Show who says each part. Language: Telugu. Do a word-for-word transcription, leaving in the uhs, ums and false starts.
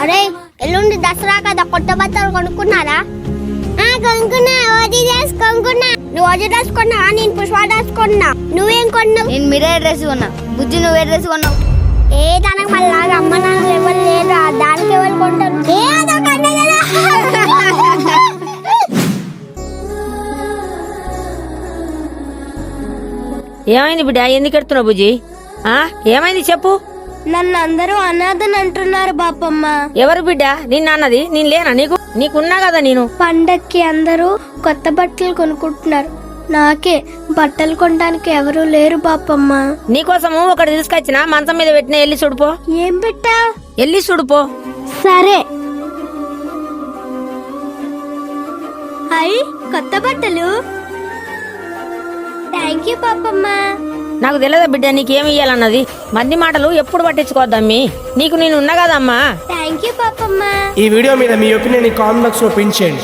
Speaker 1: అరే ఎల్లుండి దసరా కదా, కొత్త బట్టలు కొనుక్కున్నారా? కొనుక్కున్నా, ఓజీ డ్రెస్ కొనుక్కున్నా. నువ్వు ఓజీ డ్రెస్ కొన్నావా? నేను పుష్ప డ్రెస్ కొన్నా. నువ్వేం కొన్నావు?
Speaker 2: నేను మిరే డ్రెస్ కొన్నా. బుజ్జి నువ్వే డ్రెస్ కొన్నావు?
Speaker 1: ఏ దానికి మళ్ళీ అమ్మ నాన్న ఎవరు లేరు, దానికి ఎవరు కొంటారు? ఏ
Speaker 3: ఏమైంది బిడ్డ, ఎందుకు ఎడుతున్నావు బుజ్జి? ఆ ఏమైంది చెప్పు.
Speaker 1: నన్ను అందరూ అనాథని అంటున్నారు బాపమ్మ.
Speaker 3: ఎవరు బిడ్డ నిన్న అన్నది? నేను లేనా నీకు? నీకున్నా కదా నేను.
Speaker 1: పండక్కి అందరూ కొత్త బట్టలు కొనుక్కుంటున్నారు, నాకే బట్టలు కొనడానికి ఎవరు లేరు బాపమ్మ.
Speaker 3: నీకోసము ఒకటి తీసుకొచ్చిన, మంచం మీద పెట్టిన, ఎల్లి చూడుపో.
Speaker 1: ఏం పెట్టా?
Speaker 3: ఎల్లి చూడుపో.
Speaker 1: సరే. అయ్యి కొత్త బట్టలు. Thank you Papamma.
Speaker 3: నాకు తెలియదా బిడ్డ నీకేమి ఇయ్యాలన్నది? మంది మాటలు ఎప్పుడు పట్టించుకోవద్దమ్మీ, నీకు నేను ఉన్నా కదమ్మా.
Speaker 1: Thank you Papamma.
Speaker 4: ఈ వీడియో మీద మీ ఒపీనియన్ కామెంట్ బాక్స్ లో పిన్ చేయండి.